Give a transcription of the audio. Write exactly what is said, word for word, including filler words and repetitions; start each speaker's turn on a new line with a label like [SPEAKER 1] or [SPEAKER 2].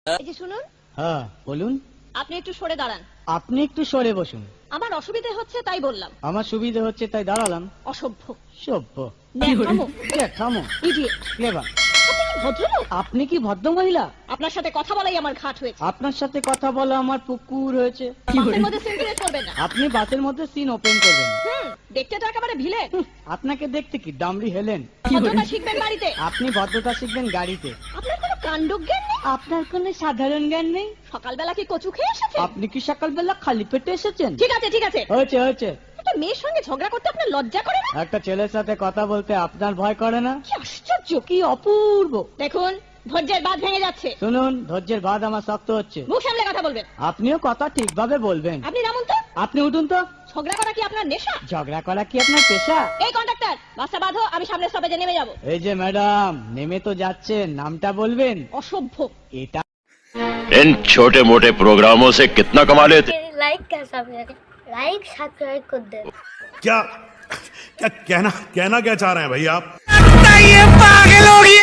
[SPEAKER 1] এই যে শুনুন,
[SPEAKER 2] হ্যাঁ বলুন।
[SPEAKER 1] আপনি একটু সরে দাঁড়ান।
[SPEAKER 2] আপনি একটু সরে বসুন।
[SPEAKER 1] আমার অসুবিধা হচ্ছে তাই বললাম।
[SPEAKER 2] আমার সুবিধা হচ্ছে তাই দাঁড়ালাম।
[SPEAKER 1] অসভ্য,
[SPEAKER 2] সভ্য,
[SPEAKER 1] ন্যাকামো,
[SPEAKER 2] ন্যাকামো,
[SPEAKER 1] ইডিয়েট।
[SPEAKER 2] ক্লেভার।
[SPEAKER 1] আপনি কি ভদ্রলোক?
[SPEAKER 2] আপনি কি ভদ্র মহিলা?
[SPEAKER 1] আপনার সাথে কথা বলাই আমার ঘাট হয়েছে।
[SPEAKER 2] আপনার সাথে কথা বলা আমার পুকুর হয়েছে।
[SPEAKER 1] বাসের মধ্যে সিন ক্রিয়েট করবেন না।
[SPEAKER 2] আপনি বাসের মধ্যে সিন ওপেন করবেন।
[SPEAKER 1] হুম, দেখতে তো একেবারে ভিলেন।
[SPEAKER 2] হুঁ, আপনাকে দেখতে কি ডামরি হেলেন?
[SPEAKER 1] ভদ্রতা শিখবেন বাড়িতে।
[SPEAKER 2] আপনি ভদ্রতা শিখবেন গাড়িতে।
[SPEAKER 1] আপনার কোনো কাণ্ডজ্ঞান নেই।
[SPEAKER 2] আপনার কোনো সাধারণ জ্ঞান নেই।
[SPEAKER 1] সকালবেলা কি কচু খেয়ে এসেছেন?
[SPEAKER 2] আপনি কি সকালবেলা খালি পেটে এসেছেন?
[SPEAKER 1] ঠিক আছে ঠিক আছে,
[SPEAKER 2] হয়েছে হয়েছে।
[SPEAKER 1] একটা মেয়ের সঙ্গে ঝগড়া করতে আপনার লজ্জা করে না?
[SPEAKER 2] একটা ছেলের সাথে কথা বলতে আপনার ভয় করে না?
[SPEAKER 1] কি আশ্চর্য!
[SPEAKER 2] কি অপূর্ব।
[SPEAKER 1] দেখুন, ধৈর্যের বাঁধ ভেঙে যাচ্ছে।
[SPEAKER 2] শুনুন, ধৈর্যের বাঁধ আমার শক্ত হচ্ছে।
[SPEAKER 1] মুখ সামলে কথা বলবেন।
[SPEAKER 2] আপনিও কথা ঠিকভাবে বলবেন।
[SPEAKER 1] আপনি নামুন তো।
[SPEAKER 2] আপনি উঠুন তো।
[SPEAKER 1] ঝগড়া করা কি আপনার নেশা?
[SPEAKER 2] ঝগড়া করা কি আপনার পেশা?
[SPEAKER 1] এই কন্ডাক্টর, বাসটা বাঁধো, আমি সামনের স্টপেজে নেমে যাব।
[SPEAKER 2] এই যে ম্যাডাম, নেমে তো যাচ্ছেন, নামটা বলবেন?
[SPEAKER 1] অসভ্য।
[SPEAKER 2] এটা
[SPEAKER 3] इन छोटे मोटे प्रोग्रामों से कितना कमा लेते
[SPEAKER 4] लाइक कैसा करें? लाइक सब्सक्राइब कर दे।
[SPEAKER 5] क्या क्या कहना कहना क्या चाह रहे हैं भाई आप?